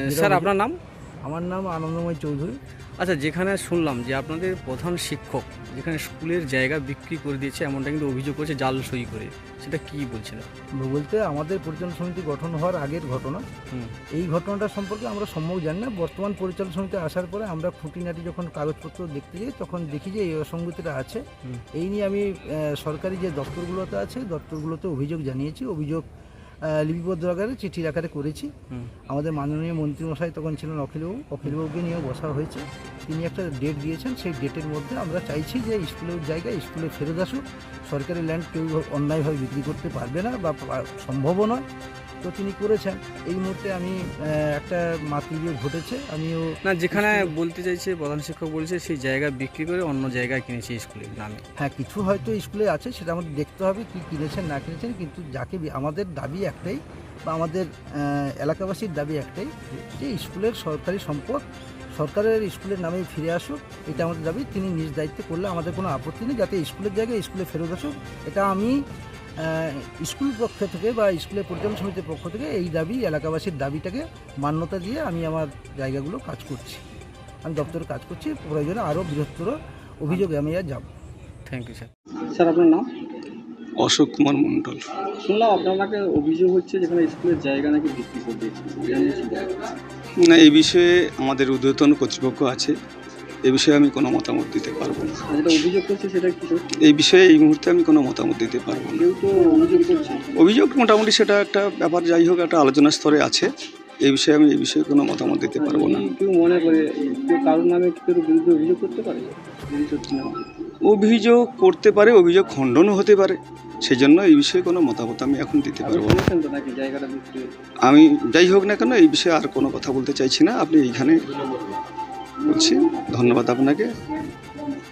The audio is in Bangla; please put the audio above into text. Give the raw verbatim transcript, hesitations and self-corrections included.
স্যার আপনার নাম? আমার নাম আনন্দময় চৌধুরী। আচ্ছা, যেখানে শুনলাম যে আপনাদের প্রধান শিক্ষক যেখানে স্কুলের জায়গা বিক্রি করে দিয়েছে এমনটা কিন্তু অভিযোগ করেছে জাল সই করে, সেটা কি বলছেন? বলতে আমাদের পরিচালনা সমিতি গঠন হওয়ার আগের ঘটনা। হুম। এই ঘটনাটা সম্পর্কে আমরা সম্যক জানি না। বর্তমান পরিচালনা সমিতি আসার পরে আমরা খুঁটিনাটি যখন কাগজপত্র দেখতে যাই তখন দেখি যে এই অসঙ্গতিটা আছে। হুম। এই নিয়ে আমি আহ, সরকারি যে দপ্তরগুলোতে আছে দপ্তরগুলোতে অভিযোগ জানিয়েছি, অভিযোগ আহ, লিপিবদ্ধ আকারে চিঠির আকারে করেছি। হুম। আমাদের মাননীয় মন্ত্রীমশাই তখন ছিলেন অখিলবাবু, অখিলবাবুকে নিয়েও বসা হয়েছে। তিনি একটা ডেট দিয়েছেন, সেই ডেটের মধ্যে আমরা চাইছি যে স্কুলের জায়গায় স্কুলে ফেরত আসুক। সরকারি ল্যান্ড কেউ অন্যায়ভাবে বিক্রি করতে পারবে না বা পা- সম্ভবও নয়। তো তিনি করেছেন। এই মুহূর্তে আমি আহ, একটা মাতৃবিয়োগ ঘটেছে, আমিও না, যেখানে বলতে চাইছে প্রধান শিক্ষক বলছে সেই জায়গা বিক্রি করে অন্য জায়গায় কিনেছে স্কুলের নামে। হ্যাঁ, কিছু হয়তো স্কুলে আছে, সেটা আমাদের দেখতে হবে কি কিনেছেন না কিনেছেন। কিন্তু যাকে বি- আমাদের দাবি একটাই বা আমাদের আহ, এলাকাবাসীর দাবি একটাই যে স্কুলের সরকারি সম্পদ সরকারের স্কুলের নামে ফিরে আসুক, এটা আমাদের দাবি। তিনি নিজ দায়িত্বে করলে আমাদের কোনো আপত্তি নেই, যাতে স্কুলের জায়গায় স্কুলে ফেরত আসুক। এটা আমি আহ, স্কুল পক্ষ থেকে বা স্কুলের পরিচালনা সমিতির পক্ষ থেকে এই দাবি, এলাকাবাসীর দাবিটাকে মান্যতা দিয়ে আমি আমার জায়গাগুলো কাজ করছি, আমি দপ্তরে কাজ করছি। প্রয়োজনে আরও বৃহত্তর অভিযোগে আমি আর যাব। Thank you sir. স্যার আপনার নাম? অশোক কুমার মণ্ডল। শুনলাম আপনার নাকি অভিযোগ হচ্ছে যেখানে স্কুলের জায়গা নাকি বিক্রি করে দিয়েছে, না, এই বিষয়ে আমাদের ঊর্ধ্বতন কর্তৃপক্ষ আছে, এ বিষয়ে আমি কোনো মতামত দিতে পারবো না। যেটা অভিযোগ করছে সেটা কি সত্যি? এই বিষয়ে এই মুহূর্তে আমি কোনো মতামত দিতে পারবো না। কেউ তো অভিযোগ করছে। অভিযোগ মোটামুটি সেটা একটা ব্যাপার, যাই হোক একটা আলোচনার স্তরে আছে। এই বিষয়ে আমি এই বিষয়ে কোনো মতামত দিতে পারবো না। যদি কেউ মনে করে কেউ কারোর নামে কেউ বিরুদ্ধে অভিযোগ করতে পারে, যদি সত্যি না হয়। অভিযোগ করতে পারে, অভিযোগ খণ্ডনও হতে পারে, সেই জন্য এই বিষয়ে কোনো মতামত আমি এখন দিতে আপনি পারবো না। শুনেছেন তো নাকি জায়গাটা বিক্রি? আমি যাই হোক না কেন এই বিষয়ে আর কোনো কথা বলতে চাইছি না। আপনি এইখানে বলছি, ধন্যবাদ আপনাকে।